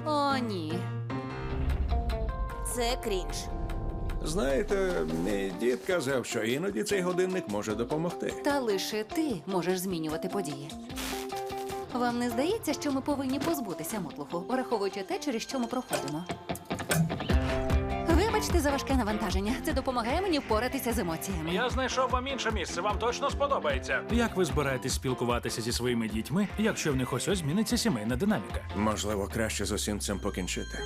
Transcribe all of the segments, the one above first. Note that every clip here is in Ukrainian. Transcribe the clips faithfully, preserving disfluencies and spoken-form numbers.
О, ні. Це крінж. Знаєте, мій дід казав, що іноді цей годинник може допомогти. Та лише ти можеш змінювати події. Вам не здається, що ми повинні позбутися мотлуху, враховуючи те, через що ми проходимо? Вибачте за важке навантаження. Це допомагає мені впоратися з емоціями. Я знайшов вам інше місце, вам точно сподобається. Як ви збираєтесь спілкуватися зі своїми дітьми, якщо в них ось ось зміниться сімейна динаміка? Можливо, краще з усім цим покінчити.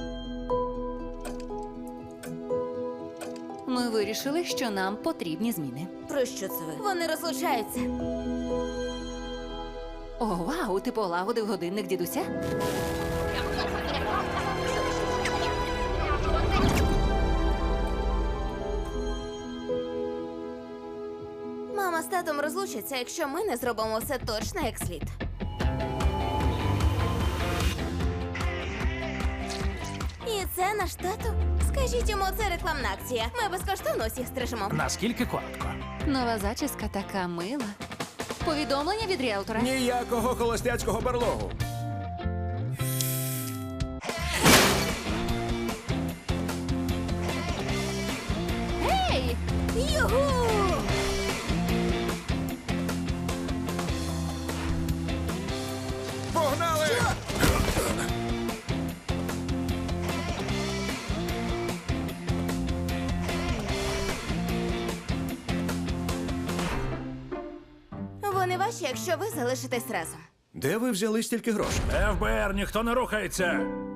Ми вирішили, що нам потрібні зміни. Про що це ви? Вони розлучаються. О, вау, ти полагодив годинник дідуся? Мама з татом розлучаться, якщо ми не зробимо все точно як слід. І це наш тато? Скажіть йому, це рекламна акція. Ми безкоштовно усіх стрижемо. Наскільки коротко? Нова зачіска така мила. Повідомлення від ріелтора. Ніякого холостяцького барлогу. Гей! Югу! Погнали! Вони ваші, якщо ви залишитесь разом. Де ви взяли стільки грошей? еф бе ер, ніхто не рухається!